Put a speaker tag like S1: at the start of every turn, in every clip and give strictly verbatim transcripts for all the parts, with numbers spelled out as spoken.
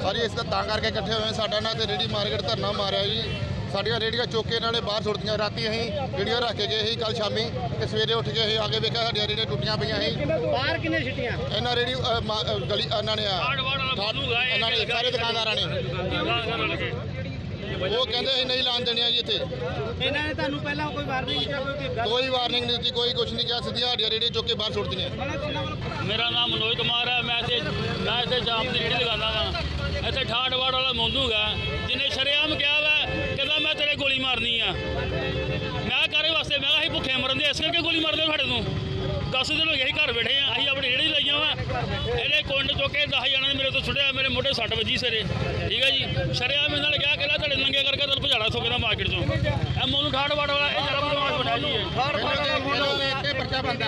S1: ਸਾਰੀ ਇਸ ਦਾ ਤਾਂ ਕਰਕੇ ਇਕੱਠੇ ਹੋਏ ਸਾਡਾ ਨਾ ਤੇ ਰੇਹੜੀ ਮਾਰਕੀਟ ਧਰਨਾ ਮਾਰਿਆ ਜੀ। ਸਾਡੀਆਂ ਰੇਹੜੀਆਂ ਚੁੱਕ ਕੇ ਇਹਨਾਂ ਨੇ ਬਾਹਰ ਸੁੱਟਦੀਆਂ। ਰਾਤੀ ਅਸੀਂ ਰੇਹੜੀਆਂ ਰੱਖ ਕੇ ਗਏ ਸੀ ਕੱਲ ਸ਼ਾਮੀ ਤੇ ਸਵੇਰੇ ਉੱਠ ਕੇ ਅਸੀਂ ਆ ਕੇ ਵੇਖਿਆ ਸਾਡੀਆਂ ਰੇਹੜੀਆਂ ਟੁੱਟੀਆਂ ਪਈਆਂ ਸੀ।
S2: ਬਾਹਰ ਕਿੰਨੇ ਛਿੱਟੀਆਂ?
S1: ਇਹਨਾਂ ਰੇਹੜੀ ਅ, ਮਾ- ਅ, ਗਲੀ ਇਹਨਾਂ ਨੇ ਆ ਇਹਨਾਂ ਨੇ ਸਾਰੇ ਦੁਕਾਨਦਾਰਾਂ ਨੇ ਉਹ ਕਹਿੰਦੇ ਅਸੀਂ ਨਹੀਂ ਲਾਣ ਦੇਣੀਆਂ ਜੀ ਇੱਥੇ।
S2: ਇਹਨਾਂ ਨੇ ਤੁਹਾਨੂੰ ਪਹਿਲਾਂ ਕੋਈ ਵਾਰਨਿੰਗ ਜਾਂ ਕੋਈ
S1: ਕੋਈ ਵਾਰਨਿੰਗ ਨਹੀਂ ਦਿੱਤੀ, ਕੋਈ ਕੁਛ ਨਹੀਂ ਕਿਹਾ। ਸਿੱਧੀਆਂ ਸਾਡੀਆਂ ਰੇਹੜੀਆਂ ਚੁੱਕ ਕੇ ਬਾਹਰ ਸੁੱਟਦੀਆਂ।
S3: ਮੇਰਾ ਨਾਮ ਮਨੋਜ ਕੁਮਾਰ ਹੈ। ਮੈਂ ਇੱਥੇ ਮੈਂ ਇੱਥੇ ਜਾਮ ਦੀ ਰੇਹੜੀ ਲਗਾਉਂਦਾ ਵਾ। ਇੱਥੇ ਠਾਠਵਾੜ ਵਾਲਾ ਮੋਂਦੂ ਗਾ ਜਿਹਨੇ ਸ਼ਰੇਆਮ ਕਿਹਾ ਵਾ ਕਹਿੰਦਾ ਮੈਂ ਤੇਰੇ ਗੋਲੀ ਮਾਰਨੀ ਆ। ਮੈਂ ਕਾਰੇ ਵਾਸਤੇ ਮੈਂ ਅਸੀਂ ਭੁੱਖੇ ਮਰਨ ਦੇ ਇਸ ਕਰਕੇ ਗੋਲੀ ਮਾਰਦੇ ਸਾਡੇ ਨੂੰ। ਦਸ ਦਿਨ ਹੋ ਗਏ ਅਸੀਂ ਘਰ ਬੈਠੇ ਆ। ਅਸੀਂ ਆਪਣੀ ਰੇਹੜੀ ਲਾਈਆਂ ਵਾ। ਇਹਨੇ ਕੁੰਡ ਚੁੱਕ ਕੇ ਦਸ ਜਣਾਂ ਨੇ ਮੇਰੇ ਤੋਂ ਸੁੱਟਿਆ। ਮੇਰੇ ਮੋਢੇ ਸੱਟ ਵੱਜੀ ਸਵੇਰੇ। ਠੀਕ ਹੈ ਜੀ। ਸ਼ਰੇਆਮ ਇਹਨਾਂ ਨੇ ਕਿਹਾ ਕਿ ਤੁਹਾਡੇ ਨੰਗੇ ਕਰਕੇ ਤੁਹਾਨੂੰ ਭਜਾੜਾ ਸੋਕੇ ਮਾਰਕੀਟ ਚੋਂ। ਇਹ ਮੋਨੂੰ ਠਾਠਵਾੜ ਵਾਲਾ ਇਹ ਜਰਾ ਬਦਮਾਸ਼ ਬਣਿਆ ਜੀ।
S1: ਇੱਥੇ ਪਰਚਾ ਬੰਦਾ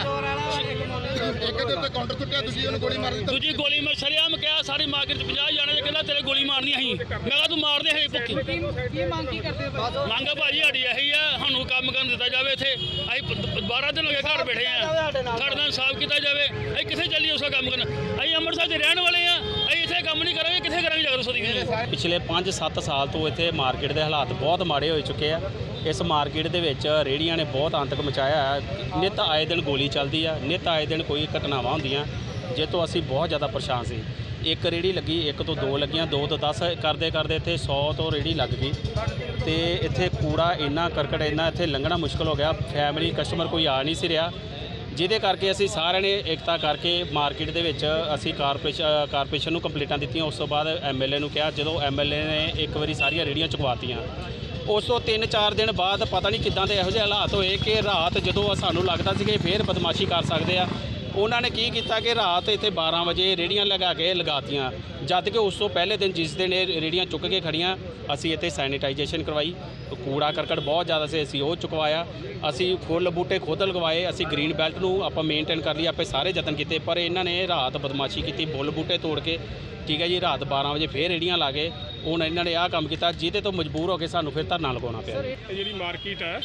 S1: ਇੱਕ ਦੇ ਉੱਤੇ ਕਾਊਂਟਰ ਸੁੱਟਿਆ, ਤੁਸੀਂ ਉਹਨੂੰ ਗੋਲੀ ਮਾਰ ਦਿੱਤੀ।
S3: ਦੂਜੀ ਗੋਲੀ ਮੈਂ ਸ਼ਰੇਆਮ ਕਿਹਾ ਸਾਰੀ ਮਾਰਕੀਟ ਚ ਪੰਜਾਹ ਜਾਣੇ ਨੇ ਕਹਿੰਦਾ ਤੇਰੇ ਗੋਲੀ ਮਾਰਨੀ ਅਸੀਂ। ਮੈਂ ਕਿਹਾ ਤੂੰ ਮਾਰਦੇ ਹੈ ਭੁੱਖੀ।
S2: ਕੀ ਮੰਗ ਕੀ ਕਰਦੇ ਹੋ?
S3: ਮੰਗ ਭਾਜੀ ਸਾਡੀ ਇਹੀ ਆ ਸਾਨੂੰ ਕੰਮ ਕਰਨ ਦਿੱਤਾ ਜਾਵੇ। ਇੱਥੇ ਅਸੀਂ ਬਾਰਾਂ ਦਿਨ ਹੋ ਗਏ ਘਰ ਬੈਠੇ ਆ। ਸਾਡੇ ਨਾਲ ਸਾਫ਼ ਕੀਤਾ ਜਾਵੇ। ਅਸੀਂ ਕਿੱਥੇ ਚੱਲੀਏ ਉਸਦਾ ਕੰਮ ਕਰਨ? ਅਸੀਂ ਅੰਮ੍ਰਿਤਸਰ ਦੇ ਰਹਿਣ ਵਾਲੇ ਆ। ਅਸੀਂ ਇੱਥੇ ਕੰਮ ਨਹੀਂ ਕਰਾਂਗੇ ਕਿੱਥੇ ਕਰਾਂਗੇ ਜਾ ਕੇ ਦੱਸੋ ਦੀ।
S4: ਪਿਛਲੇ ਪੰਜ ਸੱਤ ਸਾਲ ਤੋਂ ਇੱਥੇ ਮਾਰਕੀਟ ਦੇ ਹਾਲਾਤ ਬਹੁਤ ਮਾੜੇ ਹੋ ਚੁੱਕੇ ਆ। ਇਸ ਮਾਰਕੀਟ ਦੇ ਵਿੱਚ ਰੇਹੜੀਆਂ ਨੇ ਬਹੁਤ ਆਤੰਕ ਮਚਾਇਆ ਹੈ। ਨਿੱਤ ਆਏ ਦਿਨ ਗੋਲੀ ਚੱਲਦੀ ਆ, ਨਿੱਤ ਆਏ ਦਿਨ ਕੋਈ ਘਟਨਾਵਾਂ ਹੁੰਦੀਆਂ ਜਿਸ ਤੋਂ ਅਸੀਂ ਬਹੁਤ ਜ਼ਿਆਦਾ ਪਰੇਸ਼ਾਨ ਸੀ। ਇੱਕ ਰੇਹੜੀ ਲੱਗੀ, ਇੱਕ ਤੋਂ ਦੋ ਲੱਗੀਆਂ, ਦੋ ਤੋਂ ਦਸ ਕਰਦੇ ਕਰਦੇ ਇੱਥੇ ਸੌ ਤੋਂ ਰੇਹੜੀ ਲੱਗ ਗਈ। ਤੇ ਇੱਥੇ ਕੂੜਾ ਇੰਨਾ ਕਰਕਟ ਇੰਨਾ ਇੱਥੇ ਲੰਘਣਾ ਮੁਸ਼ਕਲ ਹੋ ਗਿਆ। ਫੈਮਿਲੀ ਕਸਟਮਰ ਕੋਈ ਆ ਨਹੀਂ ਸੀ ਰਿਹਾ, ਜਿਹਦੇ ਕਰਕੇ ਅਸੀਂ ਸਾਰਿਆਂ ਨੇ ਏਕਤਾ ਕਰਕੇ ਮਾਰਕੀਟ ਦੇ ਵਿੱਚ ਅਸੀਂ ਕਾਰਪੋਰੇਸ਼ਨ ਕਾਰਪੋਰੇਸ਼ਨ ਨੂੰ ਕੰਪਲੀਟਾਂ ਦਿੱਤੀਆਂ। ਉਸ ਤੋਂ ਬਾਅਦ ਐਮ ਐਲ ਏ ਨੂੰ ਕਿਹਾ। ਜਦੋਂ ਐਮ ਐਲ ਏ ਨੇ ਇੱਕ ਵਾਰੀ ਸਾਰੀਆਂ ਰੇਹੜੀਆਂ ਚੁਕਵਾਤੀਆਂ, ਉਸ ਤੋਂ ਤਿੰਨ ਚਾਰ ਦਿਨ ਬਾਅਦ ਪਤਾ ਨਹੀਂ ਕਿੱਦਾਂ ਦੇ ਇਹੋ ਜਿਹੇ ਹਾਲਾਤ ਹੋਏ ਕਿ ਰਾਤ ਜਦੋਂ ਸਾਨੂੰ ਲੱਗਦਾ ਸੀ ਕਿ ਫੇਰ ਬਦਮਾਸ਼ੀ ਕਰ ਸਕਦੇ ਆ, ਉਹਨਾਂ ਨੇ ਕੀ ਕੀਤਾ ਕਿ ਰਾਤ ਇੱਥੇ ਬਾਰਾਂ ਵਜੇ ਰੇਹੜੀਆਂ ਲਗਾ ਕੇ ਲਗਾਤੀਆਂ। ਜਦ ਕਿ ਉਸ ਤੋਂ ਪਹਿਲੇ ਦਿਨ ਜਿਸ ਦਿਨ ਇਹ ਰੇਹੜੀਆਂ ਚੁੱਕ ਕੇ ਖੜੀਆਂ, ਅਸੀਂ ਇੱਥੇ ਸੈਨੀਟਾਈਜੇਸ਼ਨ ਕਰਵਾਈ। ਕੂੜਾ ਕਰਕਟ ਬਹੁਤ ਜ਼ਿਆਦਾ ਸੀ, ਅਸੀਂ ਉਹ ਚੁਕਵਾਇਆ। ਅਸੀਂ ਫੁੱਲ ਬੂਟੇ ਖੁਦ ਲਗਵਾਏ। ਅਸੀਂ ਗ੍ਰੀਨ ਬੈਲਟ ਨੂੰ ਆਪਾਂ ਮੇਨਟੇਨ ਕਰ ਲਈ, ਆਪੇ ਸਾਰੇ ਯਤਨ ਕੀਤੇ। ਪਰ ਇਹਨਾਂ ਨੇ ਰਾਤ ਬਦਮਾਸ਼ੀ ਕੀਤੀ, ਫੁੱਲ ਬੂਟੇ ਤੋੜ ਕੇ। ਠੀਕ ਹੈ ਜੀ। ਰਾਤ ਬਾਰਾਂ ਵਜੇ ਫੇਰ ਰੇਹੜੀਆਂ ਲਾ ਕੇ ਹੁਣ ਇਹਨਾਂ ਨੇ ਆਹ ਕੰਮ ਕੀਤਾ, ਜਿਹਦੇ ਤੋਂ ਮਜਬੂਰ ਹੋ ਕੇ ਸਾਨੂੰ ਫਿਰ ਧਰਨਾ ਲਗਾਉਣਾ ਪਿਆ।
S5: ਜਿਹੜੀ ਮਾਰਕੀਟ ਹੈ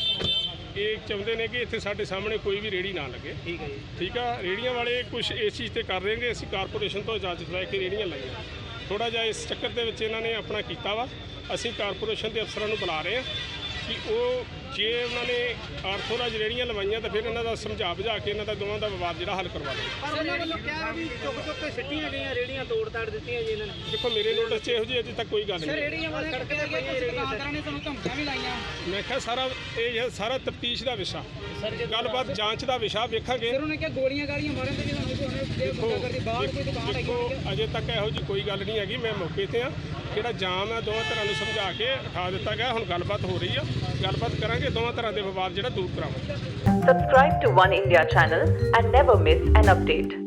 S5: ਇਹ ਚਾਹੁੰਦੇ ਨੇ ਕਿ ਇੱਥੇ ਸਾਡੇ ਸਾਹਮਣੇ ਕੋਈ ਵੀ ਰੇਹੜੀ ਨਾ ਲੱਗੇ।
S2: ਠੀਕ ਹੈ ਜੀ।
S5: ਠੀਕ ਆ। ਰੇਹੜੀਆਂ ਵਾਲੇ ਕੁਝ ਇਸ ਚੀਜ਼ ਤੇ ਕਰ ਰਹੇ ਨੇ। ਅਸੀਂ ਕਾਰਪੋਰੇਸ਼ਨ ਤੋਂ ਇਜਾਜ਼ਤ ਲੈ ਕੇ ਰੇਹੜੀਆਂ ਲਾਈਆਂ। ਥੋੜਾ ਜਿਹਾ ਇਸ ਚੱਕਰ ਦੇ ਵਿੱਚ ਇਹਨਾਂ ਨੇ ਆਪਣਾ ਕੀਤਾ ਵਾ। ਅਸੀਂ ਕਾਰਪੋਰੇਸ਼ਨ ਦੇ ਅਫਸਰਾਂ ਨੂੰ ਬੁਲਾ ਰਹੇ ਹਾਂ ਕਿ ਉਹ ਜੇ ਉਹਨਾਂ ਨੇ ਆਰਥੋਰਾਜ ਰੇਹੜੀਆਂ ਲਵਾਈਆਂ ਤਾਂ ਫਿਰ ਇਹਨਾਂ ਦਾ ਸਮਝਾ ਬੁਝਾ ਕੇ ਇਹਨਾਂ ਦਾ ਦੋਵਾਂ ਦਾ ਵਿਵਾਦ ਜਿਹੜਾ ਹੱਲ ਕਰਵਾ ਲਓ।
S2: ਪਰ ਉਹਨਾਂ ਵੱਲੋਂ ਕਿਹਾ ਵੀ ਚੁੱਕ ਚੁੱਕ ਕੇ ਸਿੱਟੀਆਂ ਗਈਆਂ ਰੇਹੜੀਆਂ, ਤੋੜ ਤਾੜ ਦਿੱਤੀਆਂ ਜੀ ਇਹਨਾਂ ਨੇ।
S5: ਦੇਖੋ ਮੇਰੇ ਨੋਟਿਸ 'ਚ ਇਹੋ ਜਿਹੀ ਅਜੇ ਤੱਕ ਕੋਈ ਗੱਲ ਨਹੀਂ।
S2: ਰੇਹੜੀਆਂ ਵਾਲੇ ਸੜਕ ਤੇ ਗਏ, ਕੁਝ ਦੁਕਾਨਦਾਰਾਂ ਨੇ ਸਾਨੂੰ ਧਮਕੀਆਂ ਵੀ ਲਾਈਆਂ।
S5: ਮੈਂ ਕਿਹਾ ਸਾਰਾ ਇਹ ਸਾਰਾ ਤਫਤੀਸ਼ ਦਾ ਵਿਸ਼ਾ, ਗੱਲਬਾਤ ਜਾਂਚ ਦਾ ਵਿਸ਼ਾ ਵੇਖਾਂਗੇ।
S2: ਫਿਰ ਉਹਨੇ ਕਿਹਾ ਗੋਲੀਆਂ ਗਾਲੀਆਂ ਮਾਰਨ ਤੇ ਜਦੋਂ ਕੋਈ ਕਰਦੀ ਬਾਹਰ ਕੋਈ ਦੁਕਾਨ ਹੈਗੀ।
S5: ਦੇਖੋ ਅਜੇ ਤੱਕ ਇਹੋ ਜਿਹੀ ਕੋਈ ਗੱਲ ਨਹੀਂ ਹੈਗੀ। ਮੈਂ ਮੌਕੇ ਤੇ ਆ। ਜਿਹੜਾ ਜਾਮ ਹੈ ਦੋਵਾਂ ਤਰ੍ਹਾਂ ਨੂੰ ਸਮਝਾ ਕੇ ਉਠਾ ਦਿੱਤਾ ਗਿਆ। ਹੁਣ ਗੱਲਬਾਤ ਹੋ ਰਹੀ ਆ, ਗੱਲਬਾਤ ਕਰਾਂਗੇ। ਦੋਵਾਂ ਤਰ੍ਹਾਂ ਦੇ ਵਿਵਾਦ ਜਿਹੜਾ ਦੂਰ ਕਰਾਵਾਂਗੇ।
S6: Subscribe to One India channel and never miss an update.